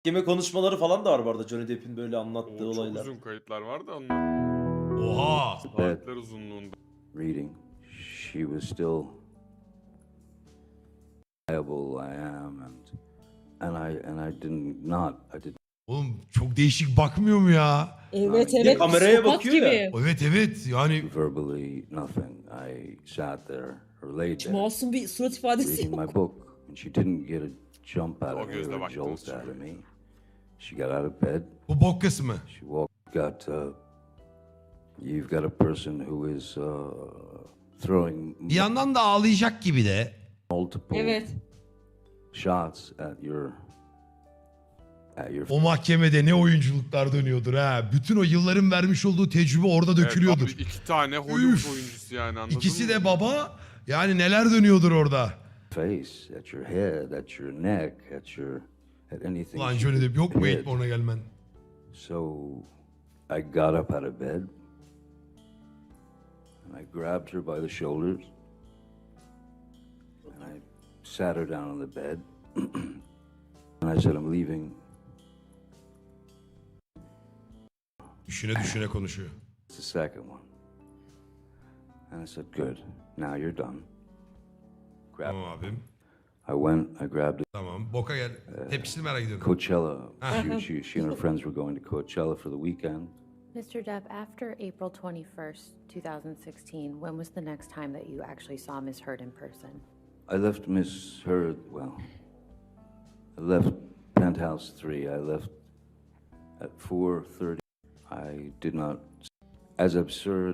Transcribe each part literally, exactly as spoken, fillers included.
Mahkeme konuşmaları falan da var bu arada Johnny Depp'in böyle anlattığı Oo, çok olaylar. uzun kayıtlar var da onlar. Oha. Saatler uzunluğunda. Reading, she was still liable. I am, and and I and I did not. I did. Oğlum çok değişik bakmıyor mu ya? Evet Bir de evet. kameraya psikopat bakıyor gibi. ya. Evet evet yani Verbally, nothing. I sat there or laid Hiç there masum bir surat ifadesi reading yok. my book, and she didn't get a jump out O of me gözle or a baktınız jolt out of çünkü. me. She got out of bed. bu bok kısmı. She walked. Got. Uh, you've got a person who is uh, throwing Bir yandan da ağlayacak gibi de. multiple Evet. shots at your at your O mahkemede ne oyunculuklar dönüyordur ha. Bütün o yılların vermiş olduğu tecrübe orada dökülüyordur. Evet, abi iki tane Hollywood Üf. oyuncusu yani anladın İkisi mı? de baba. Yani neler dönüyordur orada. face, at your head, at your neck, at your at anything. Ulan she Johnny could Depp yok mu hit. Eightborn'a gelmen? So I got up out of bed and I grabbed her by the shoulders and I sat her down on the bed and I said, I'm leaving. Düşüne düşüne konuşuyor. It's the second one. And I said, good, now you're done. Grab. Tamam abim. I went, I grabbed it. Tamam. Boka gel. Tepkisini merak ediyorum. Coachella. She, she, she and her friends were going to Coachella for the weekend. Mister Depp, after April twenty-first, two thousand sixteen, when was the next time that you actually saw Miss Heard in person? I left Miss Heard, well, I left Penthouse three. I left at four thirty. I did not, as absurd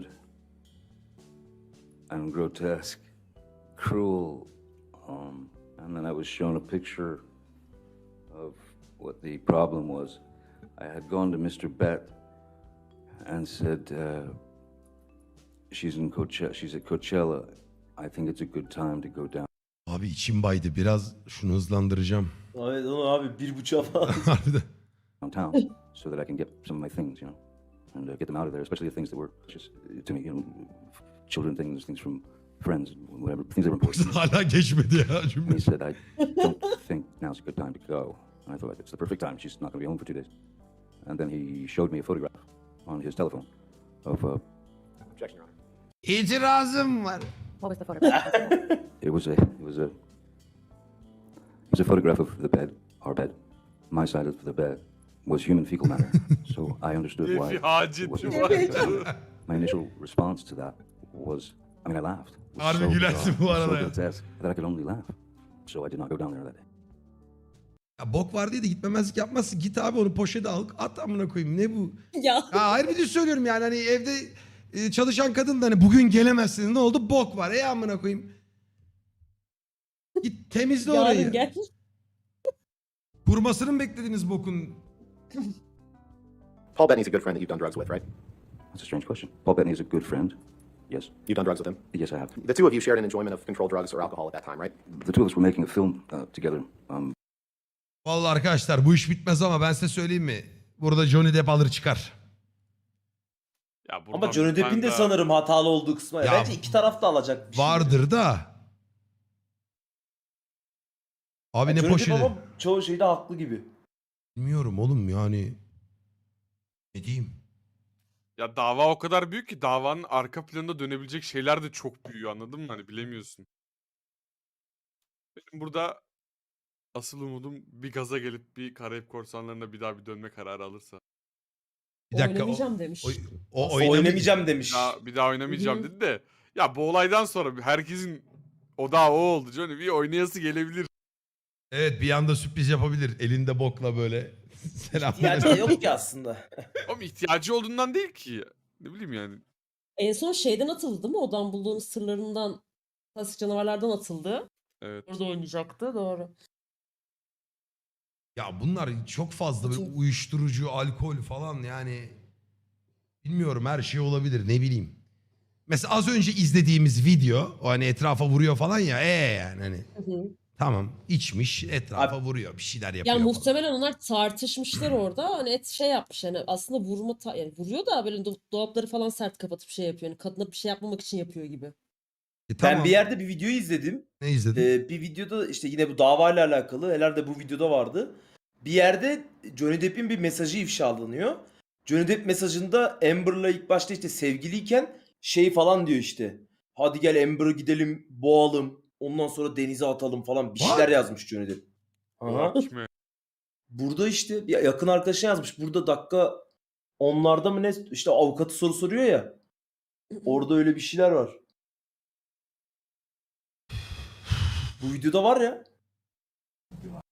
and grotesque, cruel, um, and then I was shown a picture of what the problem was. I had gone to Mister Bett and said, uh, she's in Coachella, she's at Coachella. I think it's a good time to go down. Abi içim baydı. Biraz şunu hızlandıracağım. Evet onu abi bir buçuğa falan. Harbiden. downtown so that I can get some of my things, you know, and uh, get them out of there, especially the things that were just uh, to me, you know, children things, things from friends, whatever, things that were important. Hala geçmedi ya And cümle. he said, I don't think now's a good time to go. And I thought, it's the perfect time. She's not going to be home for two days. And then he showed me a photograph on his telephone of, uh, objection, Your Honor. İtirazım var. What was the photograph? It was a, it was a, it was a photograph of the bed, our bed. My side of the bed was human fecal matter. So I understood Bir why. it hacet wasn't- var. My initial response to that was, I mean, I laughed. It was Harbi gülersin bu bizarre, arada so ya. grotesque that I could only laugh. So I did not go down there that day. Ya bok var diye de gitmemezlik yapmazsın. Git abi onu poşete al. At amına koyayım. Ne bu? Ya. Ya hayır bir de söylüyorum yani hani evde e, çalışan kadın da hani bugün gelemezsin. Ne oldu? Bok var. Ey amına koyayım. Git temizle Yarın orayı. gel. Kurmasını mı beklediniz bokun? Paul Bettany's a good friend that you've done drugs with, right? That's a strange question. Paul Bettany is a good friend. Yes. You've done drugs with him. Yes, I have. The two of you shared an enjoyment of controlled drugs or alcohol at that time, right? The two of us were making a film uh, together. Um, Vallahi arkadaşlar bu iş bitmez ama ben size söyleyeyim mi? Burada Johnny Depp alır çıkar. Ya buradan Ama Johnny bir tane Depp'in de daha- sanırım hatalı olduğu kısmı. Ya, Bence iki taraf da alacak bir şey. Vardır da. Abi ne Johnny Depp poşeti? ama çoğu şeyde haklı gibi. Bilmiyorum oğlum yani. Ne diyeyim? Ya dava o kadar büyük ki davanın arka planında dönebilecek şeyler de çok büyüyor anladın mı? Hani bilemiyorsun. Benim burada asıl umudum bir gaza gelip bir Karayip Korsanları'na bir daha bir dönme kararı alırsa. Bir dakika. O, Oynamayacağım demiş. o, o Aslında oynamayacağım. oynamayacağım demiş. Bir daha, bir daha oynamayacağım Hı. dedi de. Ya bu olaydan sonra herkesin o da o oldu Johnny. Bir oynayası gelebilir. Evet bir anda sürpriz yapabilir. Elinde bokla böyle. Selam. İhtiyacı da yok ki aslında. Ama ihtiyacı olduğundan değil ki. Ne bileyim yani. En son şeyden atıldı değil mi? Odan bulduğumuz sırlarından, klasik canavarlardan atıldı. Evet. Orada oynayacaktı. Doğru. Ya bunlar çok fazla böyle uyuşturucu, alkol falan yani. Bilmiyorum her şey olabilir ne bileyim. Mesela az önce izlediğimiz video o hani etrafa vuruyor falan ya ee yani hani. Hı hı. Tamam içmiş etrafa Abi- vuruyor bir şeyler yapıyor Yani falan. muhtemelen onlar tartışmışlar orada. Hani et şey yapmış yani aslında vurma ta- yani vuruyor da böyle do- dolapları falan sert kapatıp şey yapıyor. Yani kadına bir şey yapmamak için yapıyor gibi. E, tamam. Ben bir yerde bir video izledim. Ne izledin? Ee, bir videoda işte yine bu davayla alakalı. Herhalde bu videoda vardı. Bir yerde Johnny Depp'in bir mesajı ifşalanıyor. Johnny Depp mesajında Amber'la ilk başta işte sevgiliyken şey falan diyor işte. Hadi gel Amber'ı gidelim boğalım. Ondan sonra denize atalım falan bir şeyler What? yazmış Johnny Depp. Aha. O kime? Burada işte ya yakın arkadaşına yazmış. Burada dakika onlarda mı ne işte avukatı soru soruyor ya. Orada öyle bir şeyler var. Bu videoda var ya.